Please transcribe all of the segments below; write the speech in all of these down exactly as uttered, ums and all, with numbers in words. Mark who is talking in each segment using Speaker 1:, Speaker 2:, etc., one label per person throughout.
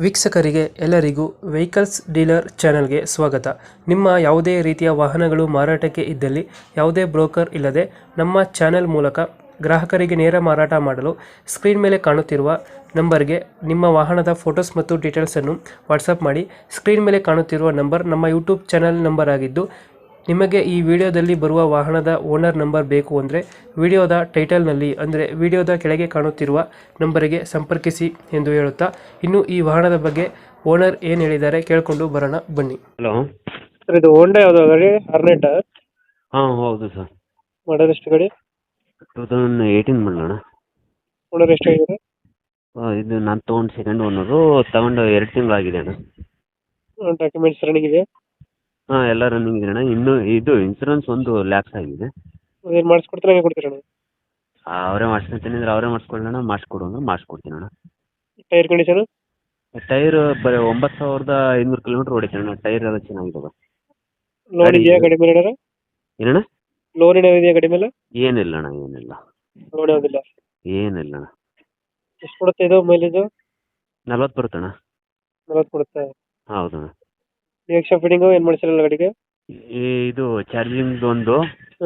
Speaker 1: ವೀಕ್ಷಕರಿಗೆ ಎಲ್ಲರಿಗೂ vehicles dealer ಚಾನೆಲ್ಗೆ ಸ್ವಾಗತ. ನಿಮ್ಮ ಯಾವುದೇ ರೀತಿಯ ವಾಹನಗಳು ಮಾರಾಟಕ್ಕೆ ಇದ್ದಲ್ಲಿ ಯಾವುದೇ ಬ್ರೋಕರ್ ಇಲ್ಲದೆ ನಮ್ಮ ಚಾನೆಲ್ ಮೂಲಕ ಗ್ರಾಹಕರಿಗೆ ನೇರ ಮಾರಾಟ ಮಾಡಲು ಸ್ಕ್ರೀನ್ ಮೇಲೆ ಕಾಣುತ್ತಿರುವ ನಂಬರ್ಗೆ ನಿಮ್ಮ ವಾಹನದ ಫೋಟೋಸ್ ಮತ್ತು ಡೀಟೇಲ್ಸನ್ನು ವಾಟ್ಸಪ್ ಮಾಡಿ. ಸ್ಕ್ರೀನ್ ಮೇಲೆ ಕಾಣುತ್ತಿರುವ ನಂಬರ್ ನಮ್ಮ ಯೂಟ್ಯೂಬ್ ಚಾನೆಲ್ ನಂಬರ್ ಆಗಿದ್ದು, ನಿಮಗೆ ಈ ವಿಡಿಯೋದಲ್ಲಿ ಬರುವ ವಾಹನದ ಓನರ್ ನಂಬರ್ ಬೇಕು ಅಂದರೆ ವಿಡಿಯೋದ ಟೈಟಲ್ನಲ್ಲಿ ಅಂದರೆ ವಿಡಿಯೋದ ಕೆಳಗೆ ಕಾಣುತ್ತಿರುವ ನಂಬರಿಗೆ ಸಂಪರ್ಕಿಸಿ ಎಂದು ಹೇಳುತ್ತಾ, ಇನ್ನು ಈ ವಾಹನದ ಬಗ್ಗೆ ಓನರ್ ಏನು ಹೇಳಿದ್ದಾರೆ ಕೇಳಿಕೊಂಡು ಬರೋಣ ಬನ್ನಿ.
Speaker 2: ಹಲೋ.
Speaker 1: ಸರ್, ಇದು ಹೋಂಡಾ ಯಾವುದು ಗಾಡಿ? ಅರ್ನೆಟ
Speaker 2: ಹಾಂ ಹೌದು ಸರ್.
Speaker 1: ಮಾಡಲ್ ಎಷ್ಟು ಗಾಡಿ?
Speaker 2: ಟೂ ತೌಸಂಡ್ ಏಯ್ಟೀನ್ ಮಾಡೋಣ.
Speaker 1: ಓನರ್ ಎಷ್ಟಾಗಿದ್ದಾರೆ?
Speaker 2: ಇದು ನಾನು ತೊಗೊಂಡು ಸೆಕೆಂಡ್ ಓನರು, ತಗೊಂಡು ಎರಡು ತಿಂಗಳಾಗಿದೆ ಅಣ್ಣ.
Speaker 1: ಡಾಕ್ಯುಮೆಂಟ್ಸ್ ರನ್ನಿಂಗ್ ಇದೆ?
Speaker 2: ಹಾಂ ಎಲ್ಲ ರನ್ನಿಂಗ್ ಇದೆ ಅಣ್ಣ. ಇನ್ನೂ ಇದು ಇನ್ಸೂರೆನ್ಸ್ ಒಂದು ಲ್ಯಾಕ್ಸ್ ಆಗಿದೆ.
Speaker 1: ಏನು ಮಾಡಿಸ್ಕೊಡ್ತಾರೆ, ಹೇಗೆ ಕೊಡ್ತೀರಣ್ಣ?
Speaker 2: ಅವರೇ ಮಾಡಿಸ್ಕೊತೀನಿ ಅಂದ್ರೆ ಅವರೇ ಮಾಡಿಸ್ಕೊಳ್ಳೋಣ, ಮಾಡಿಸ್ಕೊಡು ಅಂದ್ರೆ ಮಾಡಿಸ್ಕೊಡ್ತೀನಿ ಅಣ್ಣ.
Speaker 1: Tyre condition?
Speaker 2: ಟೈರ್ ಬರೀ ಒಂಬತ್ತು ಸಾವಿರದ ಐನೂರು ಕಿಲೋಮೀಟ್ರ್ ಹೊಡಿತೀನಿ ಅಣ್ಣ. ಟೈರ್ ಎಲ್ಲ ಚೆನ್ನಾಗಿದ್ದಾವೆ.
Speaker 1: ಲೋನ್ ಇದೆಯಾ ಗಾಡಿ ಮೇಲೆ?
Speaker 2: ಏನಣ್ಣ?
Speaker 1: ಲೋನ್ ಏನಾದ್ರು ಇದೆಯಾ ಗಾಡಿ ಮೇಲೆ?
Speaker 2: ಏನಿಲ್ಲ ಅಣ್ಣ, ಏನಿಲ್ಲ.
Speaker 1: ಲೋನ್ ಯಾವುದಿಲ್ಲ?
Speaker 2: ಏನಿಲ್ಲ ಅಣ್ಣ.
Speaker 1: ಎಷ್ಟು ಕೊಡುತ್ತೆ ಇದು ಮೈಲೇಜು?
Speaker 2: ನಲ್ವತ್ತು ಬರುತ್ತಣ್ಣ.
Speaker 1: ನಲ್ವತ್ತು ಕೊಡುತ್ತೆ?
Speaker 2: ಹೌದಣ್ಣ.
Speaker 1: ಎಕ್ಸ್ಟ್ರಾ ಫಿಟ್ಟಿಂಗು ಏನು ಮಾಡಿಸಿರಲ್ಲ ಗಾಡಿಗೆ?
Speaker 2: ಇದು ಚಾರ್ಜಿಂಗ್ ಒಂದು
Speaker 1: ಹ್ಞೂ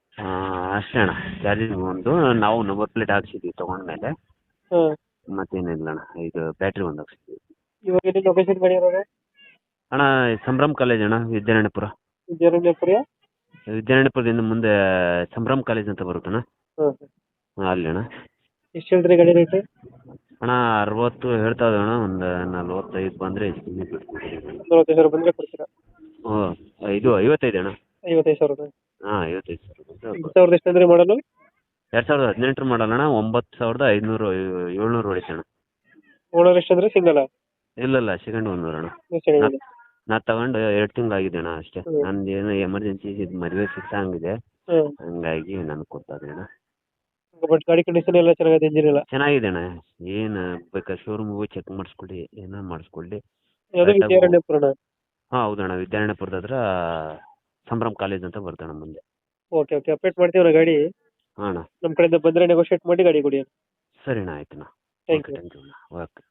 Speaker 2: ಅಷ್ಟೇ ಅಣ್ಣ. ಚಾರ್ಜಿಂಗ್ ಒಂದು ನಾವು ನಂಬರ್ ಪ್ಲೇಟ್ ಹಾಕ್ಸಿದ್ವಿ ತೊಗೊಂಡ್ಮೇಲೆ,
Speaker 1: ಹಾಂ.
Speaker 2: ಮತ್ತೇನಿಲ್ಲ ಅಣ್ಣ. ಇದು ಬ್ಯಾಟ್ರಿ ಒಂದು ಹಾಕ್ಸಿದ್ವಿ.
Speaker 1: ಇವಾಗ ಎಲ್ಲಿ ಲೊಕೇಶನ್ ಗಾಡಿ ಇರೋದು?
Speaker 2: ಅಣ್ಣ ಸಂಭ್ರಮ್ ಕಾಲೇಜ್ ಅಣ್ಣ, ವಿದ್ಯಾರಣ್ಯಪುರ.
Speaker 1: ವಿದ್ಯಾರಣ್ಯಪುರ?
Speaker 2: ವಿದ್ಯಾರಣ್ಯಪುರದಿಂದ ಮುಂದೆ ಸಂಭ್ರಮ್ ಕಾಲೇಜ್ ಅಂತ ಬರುತ್ತಣ್ಣ.
Speaker 1: ಹಾಂ
Speaker 2: ಹಾಂ, ಅಲ್ಲಿ ಅಣ್ಣ.
Speaker 1: ಎಷ್ಟು ಹೇಳ್ತೀರಿ ಗಾಡಿ ರೇಟ್?
Speaker 2: ಅಣ್ಣ ಅರವತ್ತು ಹೇಳ್ತಾ ಇದ್ದಾವೆ ಅಣ್ಣ. ಒಂದು ನಲ್ವತ್ತೈದು ಬಂದರೆ ಹೆಚ್ಚು ಬಿಡ್ತೀವಿ.
Speaker 1: ನಲ್ವತ್ತೈದು ಸಾವಿರ ಬಂದರೆ ಕೊಡ್ತೀರಾ?
Speaker 2: ಹ್ಞೂ ಇದು ಐವತ್ತೈದು ಅಣ್ಣ.
Speaker 1: ಐವತ್ತೈದು ಸಾವಿರ?
Speaker 2: ಹಾಂ ಐವತ್ತೈದು ಸಾವಿರ
Speaker 1: ಎರಡು ಸಾವಿರದ ಎಷ್ಟು ಅಂದರೆ ಮಾಡಲು?
Speaker 2: ಎರಡು ಸಾವಿರದ ಹದಿನೆಂಟರ ಮಾಡಲ್ಲ ಅಣ್ಣ. ಒಂಬತ್ತು ಸಾವಿರದ ಐದುನೂರು ಏಳ್ನೂರು ಹೊಡಿತಣ್ಣ.
Speaker 1: ಓನರ್ ಎಷ್ಟು ಅಂದರೆ ಸಿಂಗಲ್ಲ?
Speaker 2: ಇಲ್ಲ ಇಲ್ಲ, ಸೆಕೆಂಡ್ ಓನರ್ ಅಣ್ಣ.
Speaker 1: ಸೆಕೆಂಡ್?
Speaker 2: ನಾ ತಗೊಂಡು ಎರಡು ತಿಂಗಳಾಗಿದೆ ಅಣ್ಣ ಅಷ್ಟೇ.
Speaker 1: ಹ್ಞೂ.
Speaker 2: ನಂದು ಏನೋ ಎಮರ್ಜೆನ್ಸಿ ಇದು ಮದುವೆ ಫಿಕ್ಸ್ ಆಗಿದೆ,
Speaker 1: ಹ್ಞೂ.
Speaker 2: ಹಂಗಾಗಿ ನನಗೆ ಕೊಡ್ತಾರೆ ಅಣ್ಣ.
Speaker 1: ಬಟ್ ಗಾಡಿ ಕಂಡೀಷನ್ ಎಲ್ಲ ಚೆನ್ನಾಗಿದೆ, ಇಂಜಿನ್ ಎಲ್ಲ
Speaker 2: ಚೆನ್ನಾಗಿದೆ ಅಣ್ಣ. ಏನು ಬೇಕಾದ್ರೆ ಶೋರೂಮ್ಗೆ ಹೋಗಿ ಚೆಕ್ ಮಾಡಿಸ್ಕೊಳ್ಳಿ, ಏನೋ ಮಾಡಿಸ್ಕೊಳ್ಳಿ.
Speaker 1: ಯಾವುದು ವಿದ್ಯಾರಣ್ಯಪುರನ?
Speaker 2: ಹಾಂ ಹೌದಣ್ಣ, ವಿದ್ಯಾರಣ್ಯಪುರದ ಹತ್ರ ಸಂಭ್ರಮ್ ಕಾಲೇಜ್ ಅಂತ ಬರ್ತಣ್ಣ ಮುಂದೆ.
Speaker 1: ಓಕೆ ಓಕೆ, ಅಪ್ಡೇಟ್ ಮಾಡ್ತೀವಿ ಗಾಡಿ.
Speaker 2: ಹಾಂ ಅಣ್ಣ.
Speaker 1: ನಮ್ಮ ಕಡೆಯಿಂದ ಬಂದರೆ ನೆಗೋಷಿಯೇಟ್ ಮಾಡಿ ಗಾಡಿ ಕೊಡಿ.
Speaker 2: ಸರಿ ಅಣ್ಣ, ಆಯ್ತು ಅಣ್ಣ.
Speaker 1: Thank you.
Speaker 2: ಥ್ಯಾಂಕ್ ಯು ಅಣ್ಣ. ಓಕೆ.